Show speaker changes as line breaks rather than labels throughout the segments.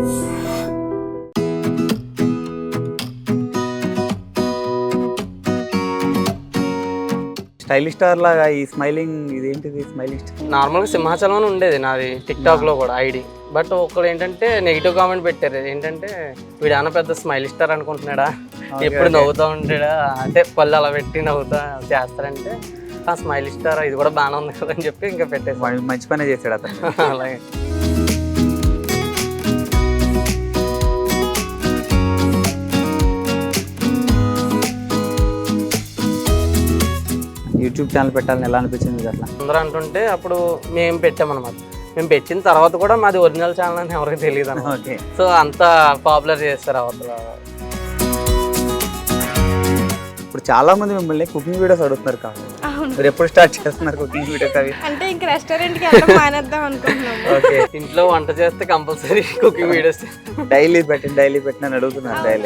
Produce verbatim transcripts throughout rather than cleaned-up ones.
Stylish star లాగా ఈ smiling ఇదేంటిది స్మైలింగ్ స్టార్?
నార్మల్గా సింహాచలం అని ఉండేది నాది టిక్టాక్లో కూడా ఐడి. బట్ ఒకళ్ళు ఏంటంటే నెగిటివ్ కామెంట్ పెట్టారు, ఏంటంటే వీడు అన్న పెద్ద స్మైల్ స్టార్ అనుకుంటున్నాడా, ఎప్పుడు నవ్వుతూ ఉంటాడా, అంటే పళ్ళు అలా పెట్టి నవ్వుతా చేస్తారంటే ఆ స్మైల్ స్టార్ ఇది కూడా బాగానే ఉంది కదా అని చెప్పి ఇంకా పెట్టేసి
మంచి పనే చేశాడు అతను.
అలాగే
యూట్యూబ్ ఛానల్ పెట్టాలని ఎలా అనిపించింది అట్లా?
అందరూ అంటుంటే అప్పుడు మేము పెట్టామన్నమాట. మేము పెట్టిన తర్వాత కూడా మాది ఒరిజినల్ ఛానల్ అని ఎవరికి తెలియదు అన్నమాట.
ఓకే.
సో అంత పాపులర్ చేస్తారు అవతల.
ఇప్పుడు చాలా మంది మిమ్మల్ని కుకింగ్ వీడియోస్ అడుగుతున్నారు కాదు, మీరు ఎప్పుడు స్టార్ట్ చేస్తున్నారు కుకింగ్ వీడియోస్? అవి
అంటే ఇంకా రెస్టారెంట్ కి వెళ్ళడం మానేద్దాం అనుకుంటున్నాము.
ఓకే.
ఇంట్లో వంట చేస్తే కంపల్సరీ కుకింగ్ వీడియోస్
డైలీ పెట్టి డైలీ పెట్టి అని అడుగుతున్నారు డైలీ.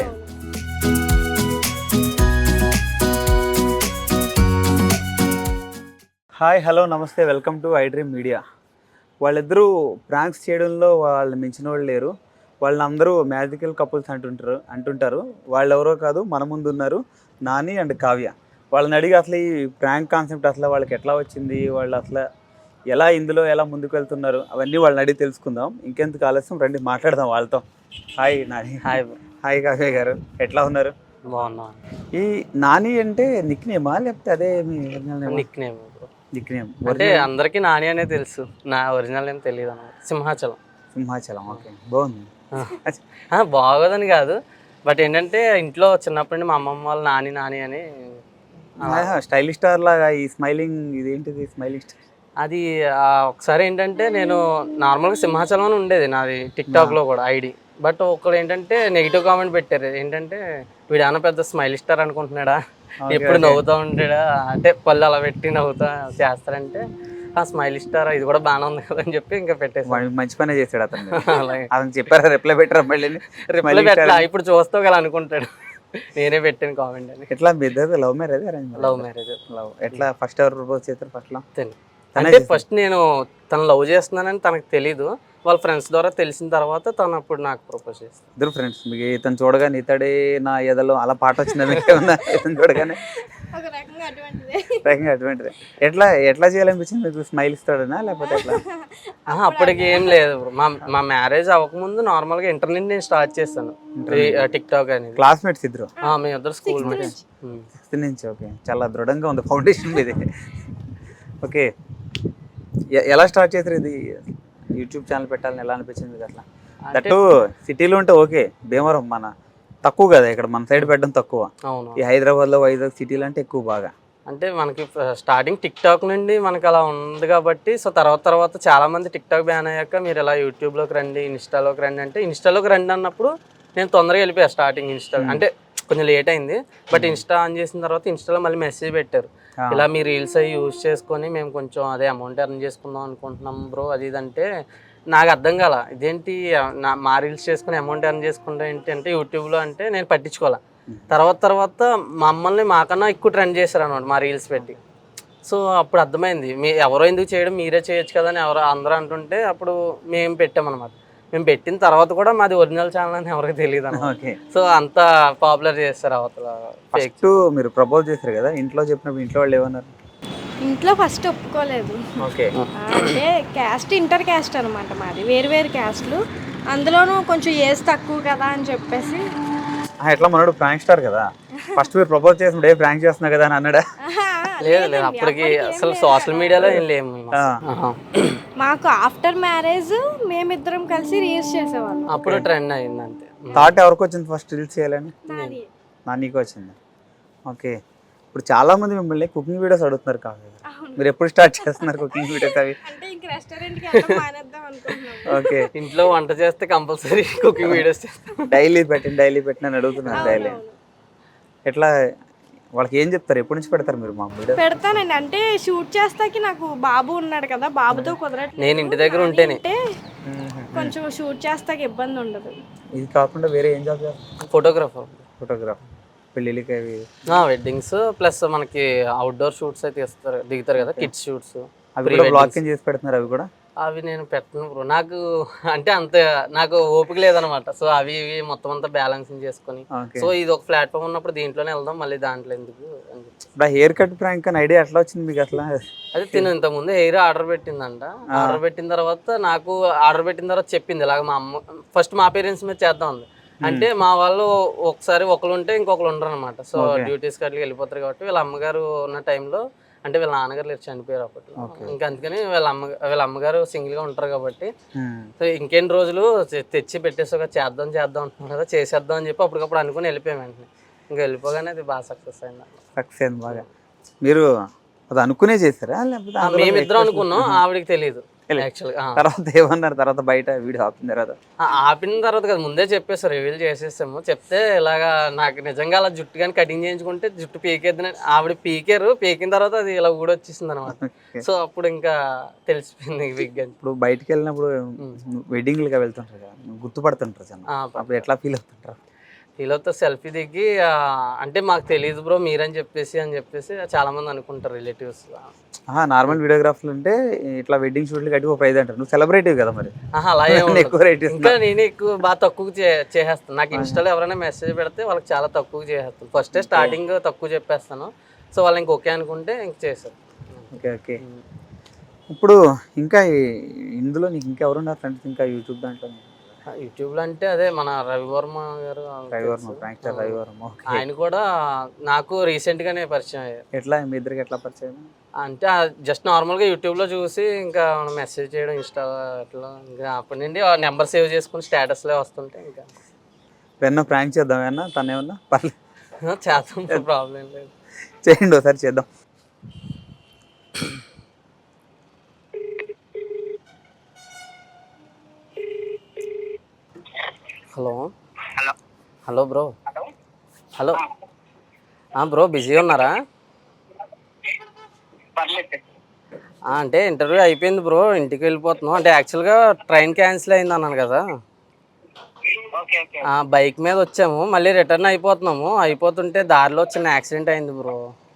హాయ్, హలో, నమస్తే, welcome to iDream media. వాళ్ళిద్దరూ ప్రాంక్స్ చేయడంలో వాళ్ళు మించిన వాళ్ళు లేరు. వాళ్ళని అందరూ మ్యాజికల్ కపుల్స్ అంటుంటారు అంటుంటారు వాళ్ళు ఎవరో కాదు, మన ముందు ఉన్నారు నాని అండ్ కావ్య. వాళ్ళని అడిగి అసలు ఈ ప్రాంక్ కాన్సెప్ట్ అసలు వాళ్ళకి ఎట్లా వచ్చింది, వాళ్ళు అసలు ఎలా ఇందులో ఎలా ముందుకు వెళ్తున్నారు, అవన్నీ వాళ్ళని అడిగి తెలుసుకుందాం. ఇంకెందుకు ఆలస్యం, రండి మాట్లాడదాం వాళ్ళతో. Hi Nani.
Hi
hi Kavya garu, ఎట్లా ఉన్నారు?
బాగున్నా.
ఈ నాని అంటే నిక్ నేమా లేకపోతే అదే మీ
నిక్ నేమ్?
నిక్ నేమ్
అంటే అందరికీ నాని అనే తెలుసు, నా ఒరిజినల్ ఏం తెలియదు అన్నమాట. సింహాచలం.
సింహాచలం. ఓకే, బాగుంది.
బాగోదని కాదు, బట్ ఏంటంటే ఇంట్లో చిన్నప్పటి నుండి మా అమ్మమ్మ వాళ్ళు నాని నాని అని.
స్టైలిష్ స్టార్ లాగా ఈ స్మైలింగ్ ఇదేంటిది స్మైలింగ్ స్టార్?
అది ఒకసారి ఏంటంటే నేను నార్మల్గా సింహాచలం అని ఉండేది నాది టిక్టాక్లో కూడా ఐడి. బట్ ఒకళ్ళు ఏంటంటే నెగిటివ్ కామెంట్ పెట్టారు, ఏంటంటే వీడు అన్న పెద్ద స్మైల్ స్టార్ అనుకుంటున్నాడా, ఎప్పుడు నవ్వుతూ ఉంటాడా, అంటే పళ్ళు అలా పెట్టి నవ్వుతా చేస్తారంటే ఆ స్మైల్ స్టార్ ఇది కూడా బాగానే ఉంది కదా అని చెప్పి ఇంకా పెట్టేసి
మంచి పనే చేశాడు అతను.
అలాగే
అతను చెప్పారా రిప్లై పెట్టరా మళ్ళీ?
రిప్లై పెట్టలా, ఇప్పుడు చూస్తావు కదా అనుకుంటాడు నేనే పెట్టాను కామెంట్ అని.
ఎట్లా మీ ఇద్దరు love marriage arrange?
Love marriage.
Love. ఎట్లా ఫస్ట్ ఎవరు ప్రపోజ్ చేస్తారు? ఫస్ట్ లో
అంటే ఫస్ట్ నేను తను లవ్ చేస్తున్నానని తనకు తెలీదు, వాళ్ళ ఫ్రెండ్స్ ద్వారా తెలిసిన తర్వాత తను అప్పుడు నాకు ప్రపోజ్ చేస్తాను.
ఇద్దరు ఫ్రెండ్స్. మీకు ఇతను చూడగానే ఇతడే నా ఎదలో అలా పాట వచ్చింది ఇతను చూడగానే
ఒక రకంగా అటువంటిదే.
రకంగా అటువంటిది. ఎట్లా ఎట్లా చేయాలనిపించింది మీకు? స్మైల్ ఇస్తాడనా లేకపోతే ఎట్లా?
అప్పటికి ఏం లేదు. మా మా మ్యారేజ్ అవ్వకముందు నార్మల్గా ఇంటర్నెట్ నేను స్టార్ట్ చేస్తాను టిక్ టాక్ అనేది.
క్లాస్మేట్స్ ఇద్దరు?
మేము ఇద్దరు స్కూల్ మేట్స్.
సిక్స్త్ నుంచి. ఓకే, చాలా దృఢంగా ఉంది ఫౌండేషన్ మీది. ఓకే, ఎలా స్టార్ట్ చేశారు ఇది యూట్యూబ్ ఛానల్ పెట్టాలని ఎలా అనిపించింది అట్లా? దట్టు సిటీలో ఉంటే ఓకే, భీమవరం మన తక్కువ కదా, ఇక్కడ మన సైడ్ పెట్టడం తక్కువ.
అవును.
ఈ హైదరాబాద్లో వైజాగ్ సిటీలో అంటే ఎక్కువ బాగా.
అంటే మనకి స్టార్టింగ్ టిక్ టాక్ నుండి మనకి అలా ఉంది కాబట్టి, సో తర్వాత తర్వాత చాలా మంది టిక్ టాక్ బ్యాన్ అయ్యాక మీరు ఇలా యూట్యూబ్లోకి రండి, ఇన్స్టాలోకి రండి అంటే ఇన్స్టాలోకి రండి అన్నప్పుడు నేను తొందరగా వెళ్ళిపోయా. స్టార్టింగ్ ఇన్స్టా అంటే కొంచెం లేట్ అయింది, బట్ ఇన్స్టా ఆన్ చేసిన తర్వాత ఇన్స్టాలో మళ్ళీ మెసేజ్ పెట్టారు, ఇలా మీ రీల్స్ అవి యూజ్ చేసుకొని మేము కొంచెం అదే అమౌంట్ ఎర్న్ చేసుకుందాం అనుకుంటున్నాం బ్రో అది ఇది అంటే నాకు అర్థం కాల, ఇదేంటి నా మా రీల్స్ చేసుకుని అమౌంట్ ఎర్న్ చేసుకుంటా ఏంటి అంటే యూట్యూబ్లో అంటే నేను పట్టించుకోవాలి. తర్వాత తర్వాత మమ్మల్ని మాకన్నా ఎక్కువ ట్రెండ్ చేశారు అనమాట మా రీల్స్ పెట్టి. సో అప్పుడు అర్థమైంది మీ ఎవరో ఎందుకు చేయడం, మీరే చేయొచ్చు కదా అని ఎవరో అందరూ అంటుంటే అప్పుడు మేము పెట్టామన్నమాట. మేము పెట్టిన తర్వాత కూడా మాది ఒరిజినల్ ఛానల్ అని ఎవరికి తెలియదు అన్నమాట. సో అంత పాపులర్ చేస్తారు అవతల.
ఫస్ట్ మీరు ప్రపోజ్ చేశారు కదా, ఇంట్లో చెప్పినప్పుడు ఇంట్లో వాళ్ళు ఏమన్నారు?
ఇంట్లో ఫస్ట్ ఒప్పుకోలేదు.
ఓకే.
అంటే క్యాస్ట్ ఇంటర్ క్యాస్ట్ అనమాట మాది, వేరు వేరు క్యాస్ట్లు, అందులోనూ కొంచెం ఏజ్ తక్కువ కదా అని చెప్పేసి.
ఎట్లా మనోడు ప్రాంక్ స్టార్ కదా, ఫస్ట్ మీరు ప్రపోజ్ చేసినప్పుడు ఏ ప్రాంక్ చేస్తున్నా కదా అని అన్నాడా?
లేదు లేదు, అప్పటికి అసలు సోషల్ మీడియాలో ఏం లేము.
మాకు ఆఫ్టర్ మ్యారేజ్ మేమిద్దరం కలిసి రీల్స్ చేసేవాళ్ళం.
అప్పుడు ట్రెండ్ అయింది అంతే.
థాట్ ఎవరికి వచ్చింది ఫస్ట్ రీల్స్ చేయాలని? నానికి వచ్చింది. ఓకే. ఇప్పుడు చాలా మంది మిమ్మల్ని కుకింగ్ వీడియోస్ అడుగుతున్నారు కాదు, మీరు ఎప్పుడు స్టార్ట్ చేస్తున్నారు కుకింగ్ వీడియోస్? అవి ఓకే.
ఇంట్లో వంట చేస్తే కంపల్సరీ కుకింగ్ వీడియోస్
డైలీ పెట్టి డైలీ పెట్టిన అడుగుతున్నారు డైలీ. ఎట్లా వాళ్ళకి ఏం చెప్తారు? ఎప్పటి నుంచి పెడతారు మీరు? మా వీడియో
పెడతానండి, అంటే షూట్ చేస్తాకి నాకు బాబు ఉన్నాడు కదా, బాబుతో కుదరట్లేదు.
నేను ఇంటి దగ్గర ఉంటేనే
కొంచెం షూట్ చేస్తాకి ఇబ్బంది ఉండదు.
ఇది కాకుండా వేరే ఏం జాబ్ చేస్తారు?
ఫోటోగ్రాఫర్.
ఫోటోగ్రాఫర్. పెళ్ళిళ్ళకి అవి
వెడ్డింగ్స్ ప్లస్ మనకి అవుట్డోర్ షూట్స్ అయితే ఇస్తారు, దిగుతారు కదా, కిడ్స్ షూట్స్.
అవి కూడా బ్లాగింగ్ చేసి పెడుతున్నారు అవి కూడా?
అవి నేను పెట్టను బ్రో. నాకు అంటే అంత నాకు ఓపిక లేదనమాట. సో అవి ఇవి మొత్తం అంతా బ్యాలెన్సింగ్ చేసుకొని,
ఓకే.
సో ఇది ఒక ప్లాట్ఫామ్ ఉన్నప్పుడు దీంట్లోనే వెళ్దాం, మళ్ళీ దాంట్లో ఎందుకు అని చెప్పి.
ఇప్పుడు ఆ హెయిర్ కట్ ప్రాంక్ అని ఐడియా ఎట్లా వచ్చింది మీకు అసలు?
అదే తిను ఇంతకుముందు హెయిర్ ఆర్డర్ పెట్టిందంట. ఆర్డర్ పెట్టిన తర్వాత నాకు ఆర్డర్ పెట్టిన తర్వాత చెప్పింది ఇలాగ మా అమ్మ ఫస్ట్ మా పేరెంట్స్ మీద చేద్దాం ఉంది. అంటే మా వాళ్ళు ఒకసారి ఒకరు ఉంటే ఇంకొకరు ఉండరు అనమాట. సో డ్యూటీస్కి అట్లా వెళ్ళిపోతారు కాబట్టి వీళ్ళ అమ్మగారు ఉన్న టైంలో, అంటే వీళ్ళ నాన్నగారు లేరు, చనిపోయారు అప్పట్లో. ఇంకా అందుకని వీళ్ళ అమ్మ వీళ్ళ అమ్మగారు సింగిల్గా ఉంటారు కాబట్టి, సో ఇంకెన్ని రోజులు తె- తెచ్చి పెట్టేసాక చేద్దాం చేద్దాం అంటున్నాం కదా, చేసేద్దాం అని చెప్పి అప్పటికప్పుడు అనుకుని వెళ్ళిపోయాం వెంటనే. ఇంకా వెళ్ళిపోగానే అది బాగా సక్సెస్ అయింది.
సక్సెస్ అయింది బాగా. మీరు అది అనుకునే చేస్తారా లేకపోతే అందులో
మేమిద్దరం అనుకున్నాం, ఆవిడకి తెలియదు యాక్చువల్గా.
తర్వాత ఏమన్నారు తర్వాత బయట వీడియో ఆపిన తర్వాత?
ఆపిన తర్వాత కదా ముందే చెప్పేసారు, రివీల్ చేసేసాము. చెప్తే ఇలాగా నాకు నిజంగా అలా జుట్టు కానీ కటింగ్ చేయించుకుంటే జుట్టు పీకేద్దని ఆవిడ పీకారు. పీకిన తర్వాత అది ఇలా కూడా వచ్చేసింది అనమాట. సో అప్పుడు ఇంకా తెలిసిపోయింది బిగ్ అని.
ఇప్పుడు బయటికి వెళ్ళినప్పుడు వెడ్డింగ్లుగా వెళ్తుంటారు కదా, గుర్తుపడుతుంటారు జనం. అప్పుడు ఎట్లా ఫీల్ అవుతుంటారు?
వీళ్ళతో సెల్ఫీ దిగి ఆ, అంటే మాకు తెలియదు బ్రో మీరని చెప్పేసి అని చెప్పేసి చాలా మంది అనుకుంటారు రిలేటివ్స్.
నార్మల్ వీడియోగ్రాఫర్లు ఉంటే ఇట్లా వెడ్డింగ్ షూట్లు కట్టి ఒక ప్రైజ్ అంటారు. నువ్వు సెలబ్రిటీ కదా మరి,
ఆహా అలా ఏం ఉండదు.
ఎక్కువ రేట్
ఇంకా నేనే ఎక్కువ బాగా తక్కువ చే- చేసేస్తాను. నాకు ఇన్స్టాలో ఎవరైనా మెసేజ్ పెడితే వాళ్ళకి చాలా తక్కువ చేసేస్తాను. ఫస్టే స్టార్టింగ్ తక్కువ చెప్పేస్తాను. సో వాళ్ళు ఇంక ఓకే అనుకుంటే ఇంక చేస్తారు.
Okay okay. ఇప్పుడు ఇంకా ఈ- ఇందులో నీకు ఇంకా ఎవరున్నారు ఫ్రెండ్స్ ఇంకా యూట్యూబ్ దాంట్లో?
యూట్యూబ్లో అంటే అదే మన రవివర్మ గారు
రవివర్మ, ప్రాంక్స్టర్ రవివర్మ. ఓకే.
ఆయన కూడా నాకు రీసెంట్గానే పరిచయం అయ్యారు.
ఎట్లా మీ ఇద్దరికి ఎట్లా పరిచయం?
అంటే జస్ట్ నార్మల్గా యూట్యూబ్లో చూసి ఇంకా మెసేజ్ చేయడం ఇన్స్టా అట్లా, ఇంకా అప్పటి నుండి నెంబర్ సేవ్ చేసుకుని స్టేటస్లో వస్తుంటే ఇంకా
ఏమన్నా ప్రాంక్ చేద్దాం ఏమన్నా తను ఏమన్నా పర్లేదు
చేస్తాం, ప్రాబ్లం లేదు.
చేయండి ఒకసారి చేద్దాం.
Hello
hello
hello bro.
Hello
hello bro, బిజీగా ఉన్నారా?
పర్లేదు.
ఆ, అంటే ఇంటర్వ్యూ అయిపోయింది బ్రో, ఇంటికి వెళ్ళిపోతున్నాం. అంటే యాక్చువల్గా ట్రైన్ క్యాన్సిల్ అయింది అన్నాను కదా,
ఓకే ఓకే.
ఆ బైక్ మీద వచ్చాము, మళ్ళీ రిటర్న్ అయిపోతున్నాము. అయిపోతుంటే దారిలో చిన్న యాక్సిడెంట్ అయింది బ్రో.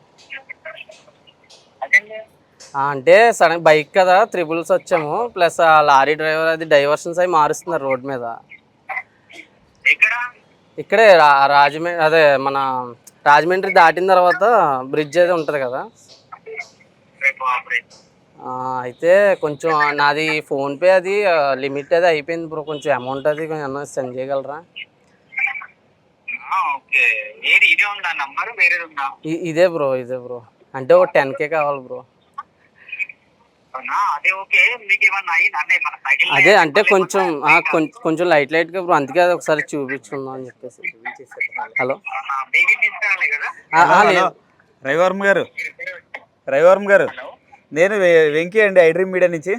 అదేంటి?
ఆ, అంటే సడన్ బైక్ కదా, త్రిబుల్స్ వచ్చాము, ప్లస్ ఆ లారీ డ్రైవర్ అది డైవర్షన్స్ అవి మారుస్తున్నారు రోడ్ మీద.
ఎక్కడ?
ఇక్కడే రా రాజమండ్రి అదే మన రాజమండ్రి దాటిన తర్వాత బ్రిడ్జ్ అయితే ఉంటుంది కదా.
రేపు ఆపరేట్.
ఆ, అయితే కొంచెం నాది ఫోన్పే అది లిమిట్ అది అయిపోయింది బ్రో, కొంచెం అమౌంట్ అది కొంచెం ఏమన్నా సెండ్ చేయగలరా?
ఓకే. ఏది ఇదే ఉందా నంబర్ వేరేది ఉందా?
ఇ- ఇదే బ్రో ఇదే బ్రో, అంటే ఒక టెన్ కే కావాలి బ్రో.
అవునా? అదే ఓకే. మీకు ఏమన్నా అయింది అంటే మన సైకిల్
అదే అంటే కొంచెం ఆ, కొం- కొంచెం లైట్ లైట్గా బ్రో, అందుకే అది ఒకసారి చూపించుకుందాం అని చెప్పేసి. హలో
బేబీ తీసుకురాలి కదా?
ఆ, ఆ, లేదు.
రవివర్మ గారు, రవివర్మ గారు, నేను వె- వెంకీ అండి, ఐడ్రీమ్ మీడియా నుంచి.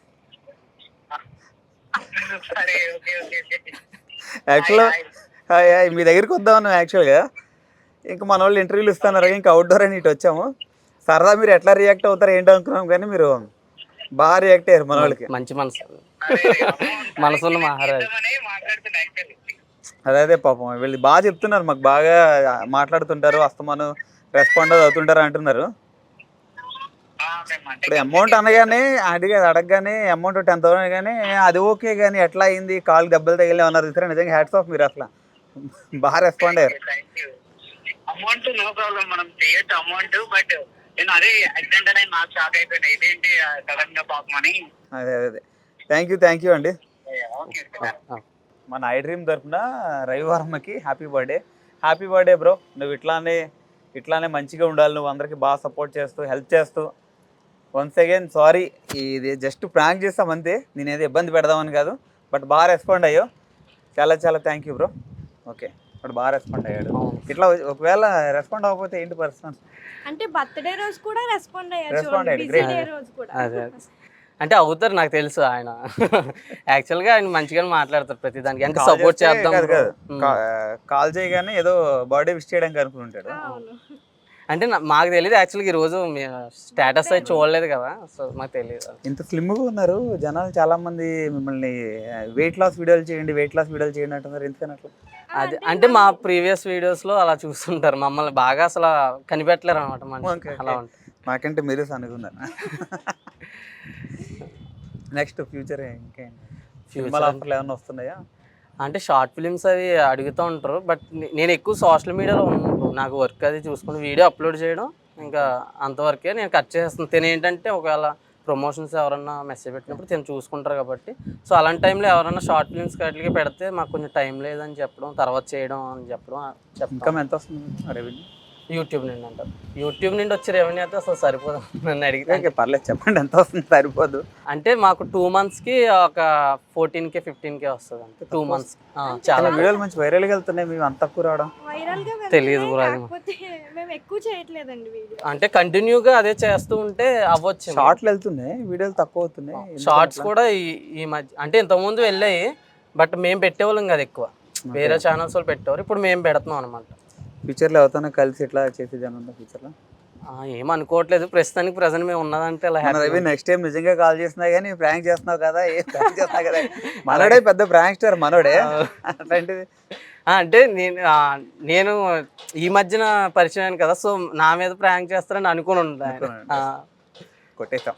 సరే ఓకే ఓకే ఓకే.
యాక్చువల్గా హాయ్ హాయ్ మీ దగ్గరికి వద్దామన్నాం యాక్చువల్గా. ఇంకా మన వాళ్ళు ఇంటర్వ్యూలు ఇస్తున్నారు, ఇంకా అవుట్డోర్ అని ఇటు వచ్చాము. సరదా మీరు ఎట్లా రియాక్ట్ అవుతారు ఏంటో అనుకున్నాం, కానీ మీరు బాగా రియాక్ట్ అయ్యారు మన వాళ్ళకి.
మంచి మనసు, మనసున్న మహారాజ్.
మాట్లాడుతున్నా యాక్చువల్లీ.
అదే అదే పాపం వీళ్ళు బాగా చెప్తున్నారు, మాకు బాగా మాట్లాడుతుంటారు, అస్తమాను రెస్పాండ్ అవుతుంటారు అంటున్నారు. ఇప్పుడు అమౌంట్ అనగానే అడిగే అడగగానే అమౌంట్ టెన్ థౌసండ్ కానీ అది ఓకే, కానీ ఎట్లా అయింది కాలు దెబ్బలు తగిలి అన్నారు చూసారా, నిజంగా హ్యాట్స్ ఆఫ్, మీరు అసలు బాగా రెస్పాండ్ అయ్యారు.
అమౌంట్ నో ప్రాబ్లం, మనం చేయొచ్చు అమౌంట్. బట్ నేను అదే యాక్సిడెంట్ అనేది నాకు షాక్ అయిపోయినా, ఇదేంటి సడన్ గా పాపం అని.
అదే అదే అదే థ్యాంక్ యూ థ్యాంక్ యూ అండి.
ఓకే.
ఆ,
మన ఐడ్రీమ్ తరఫున రవివర్మకి happy birthday. Happy birthday bro, నువ్వు ఇట్లానే ఇట్లానే మంచిగా ఉండాలి, నువ్వు అందరికీ బాగా సపోర్ట్ చేస్తూ హెల్ప్ చేస్తూ. వన్స్ అగైన్ సారీ, ఇది జస్ట్ ప్రాంక్ చేస్తాం అంతే, నేను ఏదో ఇబ్బంది పెడదామని కాదు, బట్ బాగా రెస్పాండ్ అయ్యో, చాలా చాలా థ్యాంక్ యూ బ్రో. ఓకే, ఇప్పుడు బాగా రెస్పాండ్ అయ్యాడు. ఇట్లా ఒకవేళ రెస్పాండ్ అవ్వకపోతే ఏంటి పర్సనల్?
అంటే బర్త్డే రోజు కూడా రెస్పాండ్ అయ్యారు,
Respond అయ్యాడు,
బిజీ
great.
డే రోజు కూడా.
అదే అంటే అవుతారు, నాకు తెలుసు ఆయన యాక్చువల్గా ఆయన మంచిగానే మాట్లాడతారు ప్రతిదానికి, అంటే సపోర్ట్ చేద్దాం
కాదు
bro.
కాదు, కా- కాల్ చేయగానే ఏదో బర్త్డే విష్ చేయడానికి అనుకుని ఉంటాడు.
అవును.
అంటే నా- మాకు తెలియదు యాక్చువల్గా ఈరోజు స్టేటస్ అయితే చూడలేదు కదా, సో మాకు తెలియదు.
ఇంత స్లిమ్గా ఉన్నారు జనాలు, చాలా మంది మిమ్మల్ని వెయిట్ లాస్ వీడియోలు చేయండి వెయిట్ లాస్ వీడియోలు చేయండి అంటున్నారు, ఎందుకని అట్లా?
అది అంటే మా ప్రీవియస్ వీడియోస్లో అలా చూస్తుంటారు, మమ్మల్ని బాగా అసలు కనిపెట్టలేరు అనమాట మనిషి,
ఓకే,
అలా
ఓకే.
ఉంటుంది.
మాకంటే మీరు సనుగున్నారు. నెక్స్ట్ ఫ్యూచర్ ఇంకేం
Future
సినిమాలు ఆఫర్లు ఏమైనా వస్తున్నాయా?
అంటే షార్ట్ ఫిలిమ్స్ అవి అడుగుతూ ఉంటారు, బట్ నేను ఎక్కువ సోషల్ మీడియాలో ఉన్నాను. నాకు వర్క్ అది చూసుకుని వీడియో అప్లోడ్ చేయడం ఇంకా అంతవరకే నేను కట్ చేస్తాను. తిని ఏంటంటే ఒకవేళ ప్రమోషన్స్ ఎవరన్నా మెసేజ్ పెట్టినప్పుడు తిని చూసుకుంటారు కాబట్టి, సో అలాంటి టైంలో ఎవరన్నా షార్ట్ ఫిల్మ్స్ వాటికి పెడితే మాకు కొంచెం టైం లేదని చెప్పడం, తర్వాత చేయడం అని చెప్పడం చెప్తాం.
ఇన్కమ్ ఎంత వస్తుంది రెవెన్యూ?
యూట్యూబ్ నుండి అంటారు. యూట్యూబ్ నుండి వచ్చే రెవెన్యూ అయితే అసలు సరిపోదు నన్ను అడిగితే.
ఓకే పర్లేదు చెప్పండి ఎంత వస్తుంది? సరిపోదు
అంటే మాకు టూ మంత్స్కి ఒక ఫోర్టీన్ కే ఫిఫ్టీన్ కే వస్తుంది అంటే టూ మంత్స్. చాలా
వీడియోలు మంచి వైరల్గా వెళ్తున్నాయి, మేము అంత తక్కువ రావడం
వైరల్ గా
తెలియదు బ్రో అది.
కాకపోతే మేము ఎక్కువ చేయట్లేదండి వీడియో.
అంటే కంటిన్యూగా అదే చేస్తూ ఉంటే అవ్వచ్చు.
షార్ట్లు వెళ్తున్నాయి, వీడియోలు తక్కువ అవుతున్నాయి.
షార్ట్స్ కూడా ఈ ఈ మధ్య అంటే ఇంతకుముందు వెళ్ళాయి, బట్ మేము పెట్టేవాళ్ళం కదా ఎక్కువ, వేరే ఛానల్స్ వాళ్ళు పెట్టేవారు. ఇప్పుడు మేము పెడుతున్నాం అనమాట.
ఫ్యూచర్లో ఎవరితోనో కలిసి ఇట్లా చేసేది అని ఉందా ఫ్యూచర్లో?
ఏం అనుకోవట్లేదు ప్రస్తుతానికి. ప్రజెంట్ మేము ఉన్నదంటే అలా
మన రవి నెక్స్ట్ టైం నిజంగా కాల్ చేసినా కానీ ప్రాంక్ చేస్తున్నావు కదా, ఏ ప్రాంక్ చేస్తున్నావు కదా, మనోడే పెద్ద ప్రాంక్ స్టార్ మనోడే. అట్లాంటిది
అంటే నేను నేను ఈ మధ్యన పరిచయం కదా, సో నా మీద ప్రాంక్ చేస్తారని అనుకుని ఉంటాను.
కొట్టేస్తాం.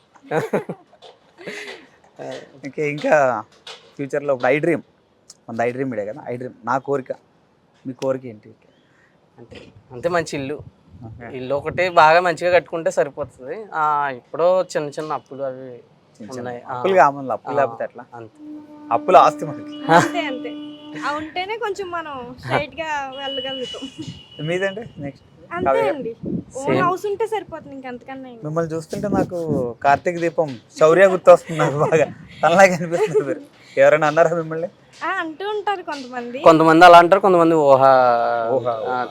ఇంకా ఇంకా ఫ్యూచర్లో ఐ డ్రీమ్, మన ఐ డ్రీమ్ ఇడే కదా, ఐ డ్రీమ్ నా కోరిక, మీ కోరిక ఏంటి?
అంటే అంతే మంచి ఇల్లు, ఇల్లు ఒకటి బాగా మంచిగా కట్టుకుంటే సరిపోతుంది. ఇప్పుడు చిన్న చిన్న అప్పులు అవి ఉన్నాయి.
అప్పులు కావాలి, అప్పులు లేకపోతే ఎట్లా?
అంతే,
అప్పులు ఆస్తి మనకి.
అంతే అంతే అవి ఉంటేనే కొంచెం మనం స్ట్రైట్ గా వెళ్ళగలుగుతాం.
మీదంటే నెక్స్ట్
అంతే అండి, ఓన్ హౌస్ ఉంటే సరిపోతుంది, ఇంకంతకన్నా ఏం.
మిమ్మల్ని చూస్తుంటే నాకు కార్తీక దీపం శౌర్య గుర్తు వస్తుంది నాకు బాగా, తనలాగే అనిపిస్తుంది. మీరు ఎవరైనా అన్నారా మిమ్మల్ని?
ఆ, అంటూ ఉంటారు కొంతమంది.
కొంతమంది అలా అంటారు, కొంతమంది ఊహ
ఊహ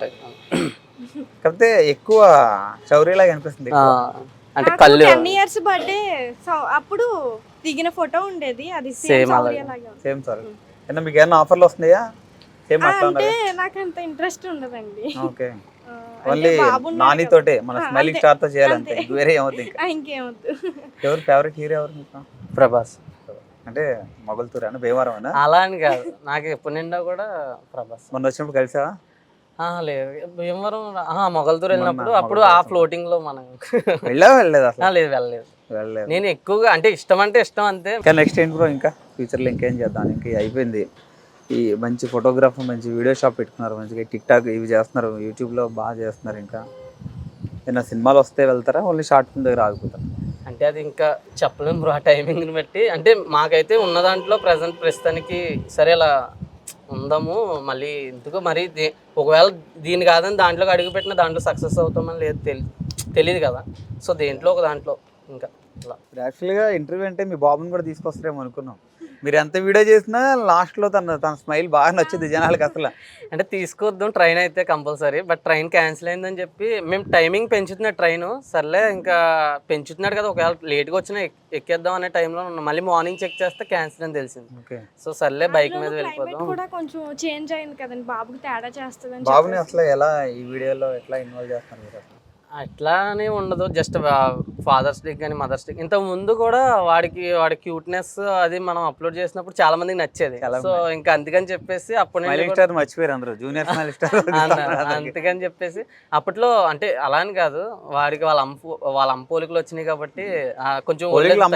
కాకపోతే ఎక్కువ శౌర్యలాగా అనిపిస్తుంది.
అంటే కళ్ళు
టెన్ ఇయర్స్ బర్త్డే అప్పుడు దిగిన ఫోటో ఉండేది, అది సేమ్ అలాగే.
Same sir. ఏమన్నా మీకు ఏమైనా ఆఫర్లు వస్తున్నాయా? సేమ్ అట్లా
అంటే నాకు అంత ఇంట్రెస్ట్ ఉండదండి.
ఓకే, ఓన్లీ నాని తోటే మన స్మైలింగ్ స్టార్ తో చేయాలంటే వేరే ఏమవుతుంది ఇంకా?
ఇంకేమవుతుంది.
ఎవరు ఫేవరెట్ హీరో ఎవరు మీకు?
ప్రభాస్.
అంటే మొగల్తూరు అన్న భీమవరం అన్న?
అలా అని కాదు, నాకు ఎప్పుడు నిండా కూడా ప్రభాస్.
మొన్న వచ్చినప్పుడు కలిసావా?
లేదు, భీమవరం మొగల్తూరు వెళ్ళినప్పుడు అప్పుడు ఆ ఫ్లోటింగ్ లో మనం
వెళ్ళావా? వెళ్ళలేదు అసలు?
లేదు వెళ్ళలేదు
వెళ్ళలేదు.
నేను ఎక్కువగా అంటే ఇష్టం అంటే ఇష్టం అంతే.
ఇంకా నెక్స్ట్ ఏంటి బ్రో, ఇంకా ఫ్యూచర్లో ఇంకేం చేద్దాం? ఇంకా అయిపోయింది ఈ మంచి ఫోటోగ్రాఫర్, మంచి వీడియో షాప్ పెట్టుకున్నారు, మంచిగా టిక్ టాక్ ఇవి చేస్తున్నారు, యూట్యూబ్లో బాగా చేస్తున్నారు. ఇంకా ఏమైనా సినిమాలు వస్తే వెళ్తారా, ఓన్లీ షార్ట్ ఫిల్మ్ దగ్గర ఆగిపోతారా?
అంటే అది ఇంకా చెప్పలేము బ్రో, ఆ టైమింగ్ని బట్టి. అంటే మాకైతే ఉన్న దాంట్లో ప్రజెంట్ ప్రస్తుతానికి సరే అలా ఉందాము, మళ్ళీ ఎందుకు మరి ఒకవేళ దీని కాదని దాంట్లోకి అడుగు పెట్టిన దాంట్లో సక్సెస్ అవుతామని లేదు తెలి తెలియదు కదా, సో దేంట్లో ఒక దాంట్లో ఇంకా అలా.
యాక్చువల్గా ఇంటర్వ్యూ అంటే మీ బాబుని కూడా తీసుకొస్తారేమో అనుకున్నాం. మీరు ఎంత వీడియో చేసినా లాస్ట్లో తన తన స్మైల్ బాగా నచ్చింది జనాలకి అసలు.
అంటే తీసుకొద్దాం ట్రైన్ అయితే కంపల్సరీ, బట్ ట్రైన్ క్యాన్సిల్ అయిందని చెప్పి మేము టైమింగ్ పెంచుతున్నాడు ట్రైన్. సర్లే ఇంకా పెంచుతున్నాడు కదా, ఒకవేళ లేట్గా వచ్చినా ఎక్కేద్దాం అనే టైంలో మళ్ళీ మార్నింగ్ చెక్ చేస్తే క్యాన్సిల్ అని తెలిసింది. సో సర్లే బైక్ మీద వెళ్ళిపోదాం.
కూడా కొంచెం చేంజ్ అయింది కదండి, బాబుకి తేడా చేస్తుంది.
బాబుని అసలు ఎలా ఈ వీడియోలో ఎట్లా ఇన్వాల్వ్ చేస్తున్నారు మీరు?
అట్లానే ఉండదు, జస్ట్ ఫాదర్స్ డే కానీ మదర్స్ డే. ఇంతకు ముందు కూడా వాడికి వాడి క్యూట్నెస్ అది మనం అప్లోడ్ చేసినప్పుడు చాలా మందికి నచ్చేది. సో ఇంకా అందుకని చెప్పేసి అప్పుడు
మర్చిపోయారు అందరూ జూనియర్
అందుకని చెప్పేసి అప్పట్లో అంటే అలా అని కాదు, వాడికి వాళ్ళ అంపు వాళ్ళ అంపోలికలు వచ్చినాయి కాబట్టి కొంచెం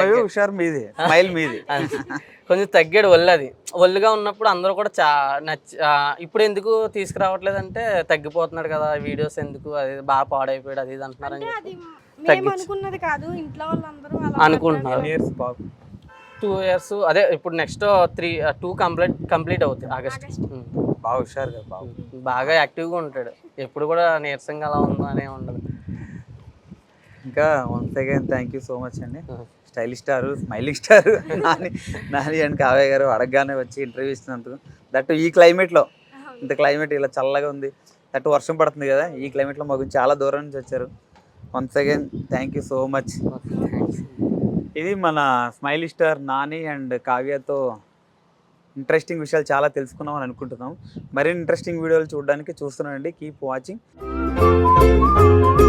కొంచెం తగ్గాడు ఒళ్ళు. అది ఒళ్ళుగా ఉన్నప్పుడు అందరూ కూడా చా నచ్చి ఇప్పుడు ఎందుకు తీసుకురావట్లేదంటే తగ్గిపోతున్నాడు కదా, వీడియోస్ ఎందుకు, అది బాగా పాడైపోయాడు అది ఇది అంటున్నారని
అనుకున్నది కాదు, ఇంట్లో వాళ్ళందరూ
అనుకుంటున్నారు. టూ ఇయర్స్ అదే ఇప్పుడు next three two complete complete అవుతుంది ఆగస్ట్.
బాగా హుషారు కదా బాబు,
బాగా యాక్టివ్గా ఉంటాడు, ఎప్పుడు కూడా నీరసంగా అలా ఉందో అనే ఉండదు.
ఇంకా once again thank you so much అండి. Stylish star, smiling star Nani Nani and Kavya గారు అడగగానే వచ్చి ఇంటర్వ్యూ ఇస్తున్నందుకు, దట్టు ఈ క్లైమేట్లో, ఇంత క్లైమేట్ ఇలా చల్లగా ఉంది, దట్టు వర్షం పడుతుంది కదా, ఈ క్లైమేట్లో మాకు చాలా దూరం నుంచి వచ్చారు. Once again thank you so much. ఇది మన స్మైలిష్ స్టార్ నాని అండ్ కావ్యతో ఇంట్రెస్టింగ్ విషయాలు చాలా తెలుసుకున్నాం అని అనుకుంటున్నాం. మరిన్ని ఇంట్రెస్టింగ్ వీడియోలు చూడడానికి చూస్తున్నానండి. Keep watching.